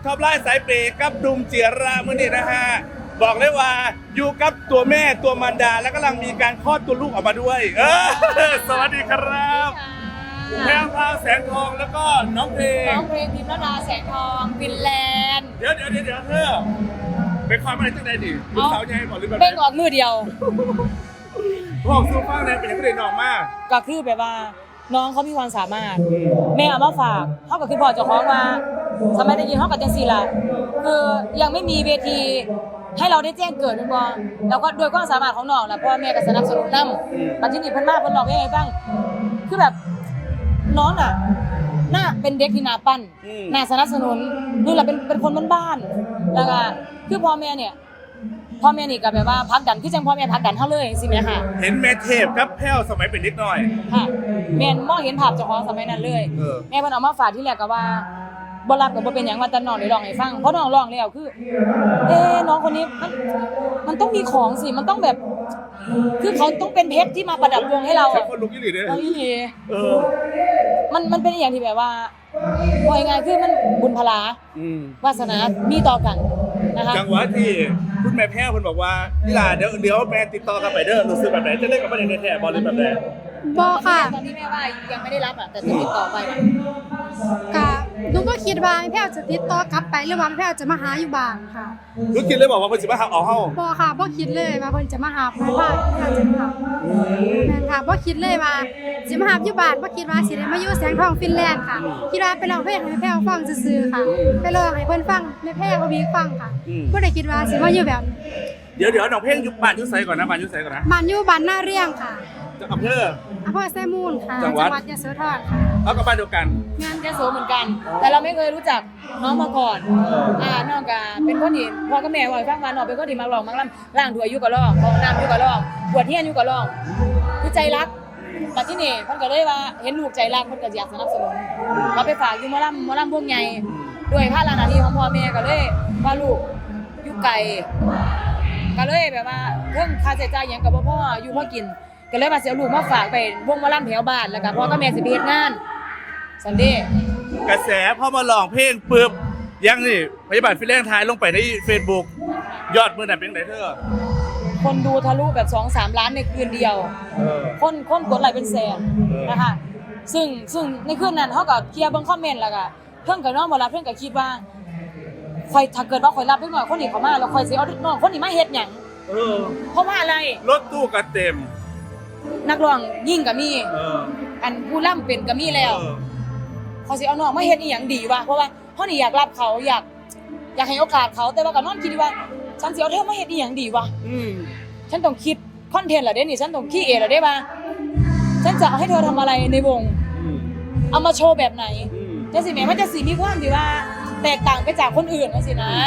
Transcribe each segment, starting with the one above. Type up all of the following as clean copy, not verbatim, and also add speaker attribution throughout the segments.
Speaker 1: ท็อปไลน์สายเปย์กับดุมเจียรามื้อนี้นะฮะบอกเลยว่าอยู่กับตัวแม่ตัวมารดาและกำลังมีการคลอดตัวลูกออกมาด้วย สวัสดีครับแพรวพราวแสงทองแล้วก็น้องเพลง
Speaker 2: พิมพ์ระดาแสงทองฟินแลนด์
Speaker 1: เดี๋ยวเธอเป็นความอะไรจังใดดิลูกสาวยังไงบอกหรือแบบ
Speaker 2: เป็นออกมือเดียว
Speaker 1: พ่อสู้ฟังเลยเป็นยังไงน้องมาก
Speaker 2: ก็คือแบบว่าน้องเขามีความสามารถแม่เอามาฝากเขาก็คือพ่อเจ้าของมาสมัยได้ยินเขากับจังซีละคือยังไม่มีเวทีให้เราได้แจ้งเกิดเป็นบอแล้วก็โดยความสามารถของน้องแหละพ่อแม่ก็สนับสนุนนำปัจจุบันเพิ่นมาเพิ่นบอกยังไงบ้างคือแบบน้องน่ะน่าเป็นเด็กที่น่าปั้นน่าสนับสนุนดูแลเป็นคนบ้านๆแล้วก็คือพ่อแม่นี่ก็แบบว่าพักดันคือจังพ่อแม่พักดันเฮาเลยสิแม่ค่ะ
Speaker 1: เห็นแม่เทพกับแพ้วสมัยเป็นเด็กน้อย
Speaker 2: ค่ะแม่มองเห็นภาพเจ้าของสมัยนั้นเลยแม่เพิ่นเอามาฝากที่แรกก็ว่าบ่รับก็บ่เป็นหยังว่าแต่น้องได้ร้องให้ฟังเพราะน้องร้องแล้วคือน้องคนนี้มันต้องมีของสิมันต้องแบบคือเขาต้องเป็นเพชรที่มาประดับวงให้เรา
Speaker 1: คนลุกยี่หลีเด้อ
Speaker 2: ยี่หลีมันเป็นอย่างที่แบบว่าพอยังไงคือมันบุญพลาวาสนามีต่อกันนะคะ
Speaker 1: จังหวะที่คุณแม่แพ้วเพิ่นบอกว่านี่ล่ะเดี๋ยวแม่ติดต่อกลับไปเด้อรู้สึกแบบไหนจะเล่นกับบ่ได้แท้บ่หรือแบบไหน
Speaker 3: บ่ค่ะ
Speaker 2: ตอนนี้แม่ว่ายังไม่ได้รับแต่จะติดต่อไป
Speaker 3: ก็หนูก็คิดว่าแพ้วจะติดต่อกลับไปหรือว่าแพ้วจะมาหาอยู่บ้านค่ะ
Speaker 1: คือคิดเลยบอกว่าเพิ่นสิมาหาเอาเฮา
Speaker 3: บ่ค่ะบ่คิดเลยว่าเพิ่นจะมาหาเพราะว่าแพ้วจะมาแม่นค่ะบ่คิดเลยว่าสิมาหาอยู่บ้านบ่คิดว่าสิได้มาอยู่แสงทองฟินแลนด์ค่ะคิดว่าไปร้องเพลงให้แพ้วฟังซื่อๆค่ะไปร้องให้เพิ่นฟังแม่แพ้วมีฟังค่ะบ่ได้คิดว่าสิมาอยู่แบบ
Speaker 1: เดี๋ยวน้องเพลงอยู่บ้านอยู่ไสก่อนนะบ้านอยู่ไสก่อนนะ
Speaker 3: บ้านอยู่บ้านหน้าเรียงค่ะ
Speaker 1: อำเภอ
Speaker 3: ไซมูลค่ะจังหวัดยโสธรค่ะ
Speaker 1: เอากับบ้านเดียวกัน
Speaker 2: งานยโสเหมือนกันแต่เราไม่เคยรู้จักน้องมาก่อนน้องก็เป็นคนที่พ่อกับแม่ว่าฟังมาน้องเป็นคนที่มักร้องมักรำล้างถ้วยอยู่ก็ร้องห้องน้ำอยู่ก็ร้องบวชเฮียนอยู่ก็ร้องคือใจรักแต่ที่นี่เพิ่นก็เลยว่าเห็นลูกใจรักเพิ่นก็อยากสนับสนุนก็ไปฝากอยู่หมอลำพวกใหญ่ด้วยภาระหน้าที่ของพ่อแม่ก็เลยว่าลูกอยู่ไกลก็เลยแบบว่าเรื่องค่าใช้จ่ายหยังก็บ่พออยู่พอกินก็เลยมาเสียลูกมาฝากไปวงหมอลำแถวบ้านแล้วก็พ่อกับแม่สิไปเฮ็ดงานซันเดย์
Speaker 1: กระแสพอมาร้องเพลงปึ๊บยังนี่พยาบาลฟินแลนด์ทายลงไปใน Facebook ยอดมื้อนั้นเป็นจังได๋เธอ
Speaker 2: คนดูทะลุแบบ 2-3 ล้านในคืนเดียวคนกดไลค์เป็นแสนนะคะซึ่งในคืนนั้นเฮาก็เคลียร์เบิ่งคอมเมนต์แล้วก็เพิ่นก็น้องบ่รับเพิ่นก็คิดว่าค่อยถ้าเกิดว่าค่อยรับเด็กน้อยคนนี้เข้ามาแล้วค่อยสิเอาน้องคนนี้มาเฮ็ดหยังเพราะว่าอะไร
Speaker 1: รถตู้ก็เต็ม
Speaker 2: นักร้องยิ่งก็มีอันผู้ล่ำเป็นก็มีแล้วเขาสิเอาน้องมาเฮ็ดอีหยังดีวะเพราะว่าเฮานี่อยากรับเขาอยากให้โอกาสเขาแต่ว่าก็นอนคิดว่าฉันสิเอาเธอมาเฮ็ดอีหยังดีวะฉันต้องคิดคอนเทนต์ล่ะเด้นี่ฉันต้องคิดล่ะเด้ว่าฉันจะเอาให้เธอทำอะไรในวงเอามาโชว์แบบไหนจังสิแม่มันจะสิมีความที่ว่าแตกต่างไปจากคนอื่นจังซี่นะ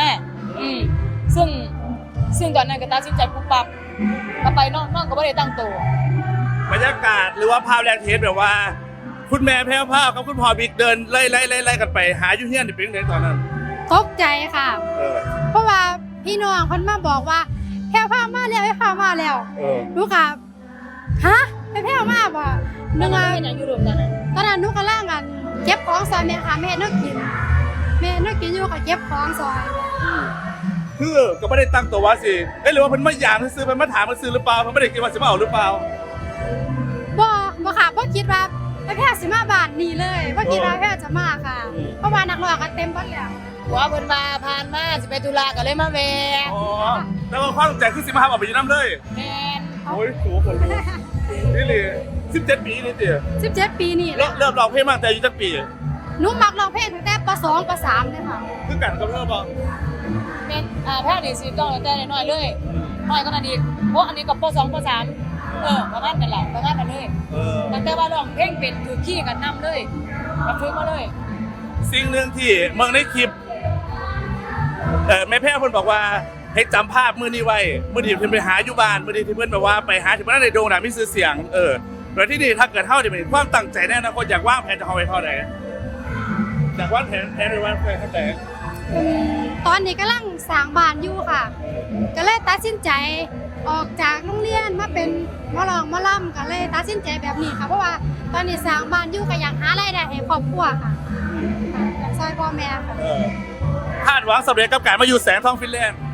Speaker 2: ซึ่งตอนนั้นก็ตัดสินใจปุ๊บปั๊บก็ไปน้องก็บ่ได้ตั้งตัว
Speaker 1: บรรยากาศหรือว่าภาพแรกเทสแบบว่าคุณแม่แพ้วพราวกับคุณพ่อบิ๊กเดินไล่กันไปหาอยู่เฮียนนี่เป็นจังได๋ตอนนั้น
Speaker 3: ตกใจค่ะเพราะว่าพี่น้องเพิ่นมาบอกว่าแพ้วพราวมาแล้วแพ้วพราวมาแล้วลูกค่ะฮะแพ้วมาบ่นึงอ่ะ
Speaker 2: เฮ็ดหยังอยู่รูปตอน
Speaker 3: นั้นหนูกำลังกันเก็บของซอยแม่ค่ะแม่นึกกินอยู่ก็เก็บของซอย
Speaker 1: คือก็ไม่ได้ตั้งตัวว่าสิหรือว่าเพิ่นมาหยามซื้อเพิ่นมาถามมาซื้อหรือเปล่าเพิ่นไม่ได้คิดว่าสิมาเอาหรือเปล่า
Speaker 3: บ่ค่ะบ่คิดว่าแพ้วสิมาบ้านนี้เลยบ่คิดว่าแพ้วจะมาค่ะเพราะว่านักร้องก็เต็มเบิดแล้ว
Speaker 2: หัวเพิ่นมาผ่านมาสิไปธุระก็เลยมาแวะ
Speaker 1: แล้วก็ความตั้งใจคือสิมาหาเอาไปอยู่นำเลย
Speaker 2: แม่น
Speaker 1: โอ้ยโหคนลุกนี่เลย17 ปีนี่ติ
Speaker 3: 17 ปีนี่
Speaker 1: เริ่มร้องเพลงมาตั้งแต่อายุจักปี
Speaker 3: หนูมักร้องเพลงตั้งแต่ป.2 ป.3 เลยค่ะ
Speaker 1: คือกันกับเธอบ่
Speaker 2: แม่นแพ้วนี่สิต้องตั้งแต่น้อยเลยน้อยกว่านั้นอีกเพราะอันนี้ก็ป.2 ป.3ประมาณนั้นแหละประมาณนั้นเลยแต่ว่าร้องเพลงเป็นถือขี้กันนำเลยมาฝึกมาเลย
Speaker 1: สิ่งนึงที่เมืองในคลิปแม่แพ้วเพิ่นบอกว่าให้จำภาพมื้อนี้ไว้มื้อที่เพิ่นไปหาอยู่บ้านมื้อที่เพิ่นแบบว่าไปหาที่บ้านในโด่งดังมีชื่อเสียงแล้วที่นี่ถ้าเกิดเฮาได้เป็นความตั้งใจแน่นะคนอยากวางแผนจะเอาไว้เท่าใดอยากวางแผนไว้ว่าเท่าใด
Speaker 3: ตอนนี้กำลังสร้างบ้านอยู่ค่ะก็เลยตัดสินใจออกจากโรงเรียนมาเป็นหมอร้องหมอลำก็เลยตัดสินใจแบบนี้ค่ะเพราะว่าตอนนี้สร้างบ้านอยู่ก็อยากหารายได้ให้ครอบครัวค่ะอยากช่วยพ่อแม่ค่ะ
Speaker 1: ภหวังสำเร็จกับการมาอยู่แสงทองฟินแลนด์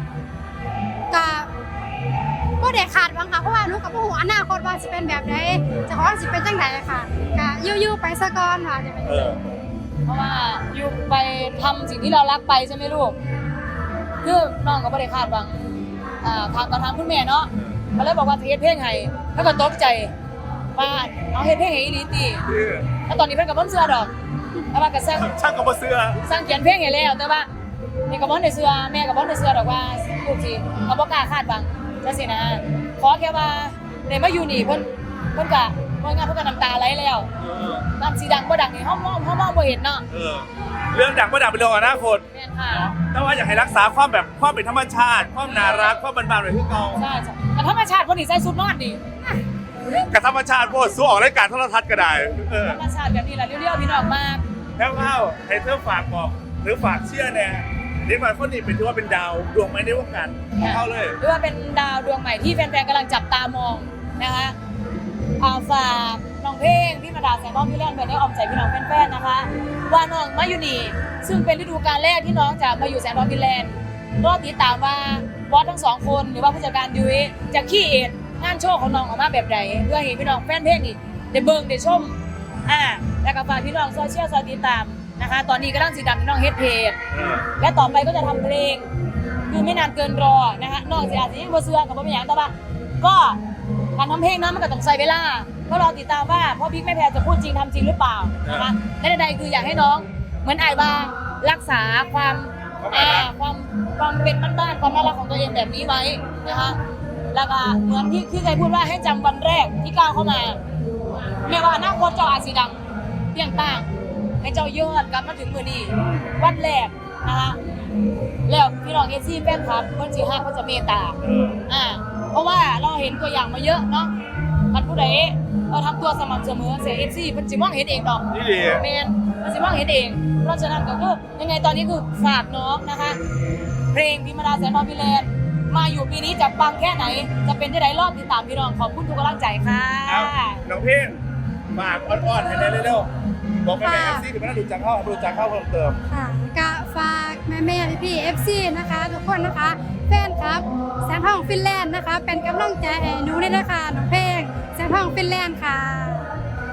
Speaker 3: ก็ได้ขาดหวังค่ะเพราะว่าหนูกับผู้หัวอนาคตว่าจะเป็นแบบไหนจะของสิเป็นจังไหนค่ะก็ยู่ๆไปซะก่อนค่ะจะเป็น
Speaker 2: เพราะว่าอยู่ไปทำสิ่งที่เรารักไปใช่ไหมลูกคือน้องก็ไม่ได้คาดหวังทางกับทางคุณแม่เนาะเขาเลยบอกว่าเฮ็ดเพลงให้แล้วก็ตกใจว่าเอาเฮ็ดเพลงให้อีหลีติแล้วตอนนี้เพิ่นก็บ่เชื่อดอกแต่ว่าก็สร้าง
Speaker 1: ช่างกับบ่เสื้อ
Speaker 2: สร้างเขียนเพลงให้แล้วแต่ว่านี่ก็บ่ได้เชื่อแม่ก็บ่ได้เชื่อดอกว่าลูกสิเขาบ่กล้าคาดหวังจังซี่นะขอแค่ว่าได้มาอยู่นี่เพิ่นก็ว่างั้นเพิ่นก็น้ำตาไหลแล้วน้ำสีดังบ่ดังนี่เฮามองบ่เห็นเนาะ
Speaker 1: เรื่องดังประดับเป็นเรื่องอนาคต
Speaker 2: แม่นค่ะ
Speaker 1: แต่ว่าอยากให้รักษาความแบบความเป็นธรรมชาติ ความน่ารักความบานๆไว้คือเก่า
Speaker 2: ใช่แต่ธรรมชาติคนนี้ใส่ชุดนอนนี่
Speaker 1: กับธรรมชาติโพดสู้ออกรายการโทรทัศน์ก็ได้
Speaker 2: ธรรมชาติแบบนี้แหละเรียวๆพี่น้องมาก
Speaker 1: แล้วเข้าให้เธอฝากบอกหรือฝากเชื่อแน่เด็กหน่อยคนนี้เป็นถือว่าเป็นดาวดวงไม้ในวงการเข้าเลย
Speaker 2: หรือว่าเป็นดาวดวงใหม่ที่แฟนๆกำลังจับตามองนะคะฝากน้องเพลงพี่มาดาแสงทองพี่เล่นไปได้ออมใจพี่น้องแฟนๆนะคะ ว่าน้องมาอยู่นี่ซึ่งเป็นฤดูกาลแรกที่น้องจะมาอยู่แสงทองพี่แลนด์รอติดตามว่าบอสทั้งสองคนหรือว่าผู้จัดการยุ้ยจะขี้เอ็ดงานโชว์ของน้องออกมาแบบไหนเพื่อให้พี่น้องแฟนเพลงนี่ได้เบิ่งได้ชมแล้วก็ฝากพี่น้องโซเชียลติดตามนะคะตอนนี้กำลังสีดำพี่น้องเฮ็ดเพจและต่อไปก็จะทำเพลงคือไม่นานเกินรอนะคะนอกจากอาจจะยังบ่เชื่อกับบ่มีหยังแต่ว่าก็การทำเพลงนั้นมันก็ต้องใช้เวลาก็รอติดตามว่าพ่อบิ๊กแม่แพรจะพูดจริงทำจริงหรือเปล่านะคะและใดๆคืออยากให้น้องเหมือนไอ้ว่ารักษาความเป็นบ้านๆความน่ารักของตัวเองแบบนี้ไว้นะคะแล้วก็เหมือนที่เคยพูดว่าให้จำวันแรกที่ก้าวเข้ามาแม้ว่าอนาคตเจ้าอาจสีดำเพียงต่างให้เจ้ายอดกลับมาถึงมือนี้วันแรกนะคะแล้วพี่น้องเอซี่แฟนคลับคนสิฮักเขาจะเมตตาเพราะว่าเราเห็นตัวอย่างมาเยอะเนาะมันผู้ใดเราทำตัวสม่ำเสมอเสียเอซี่มันจิมองเห็นเองดอกแมนมันจิมองเห็นเองเพราะฉะนั้นก็คือยังไงตอนนี้คือฝากน้องนะคะเพลงพิมดาแสงทองพี่แลนด์มาอยู่ปีนี้จะปังแค่ไหนจะเป็นที่ไหนรอบติดตามพี่น้องขอบคุณทุกกำลังใจค่ะ
Speaker 1: น้องเพ่งฝากอ่อนๆให้ได้เร็วๆบอกแม่ๆ FC ถึงไม่ได้ดูจังเข้าเพิ่มเติม
Speaker 3: ค่ะก็ฝากแม่ๆพี่ๆ FC นะคะทุกคนนะคะแฟนครับแสงทองฟินแลนด์นะคะเป็นกำลังใจให้หนูด้วยนะคะน้องเพลงแสงทองฟินแลนด์ค่ะ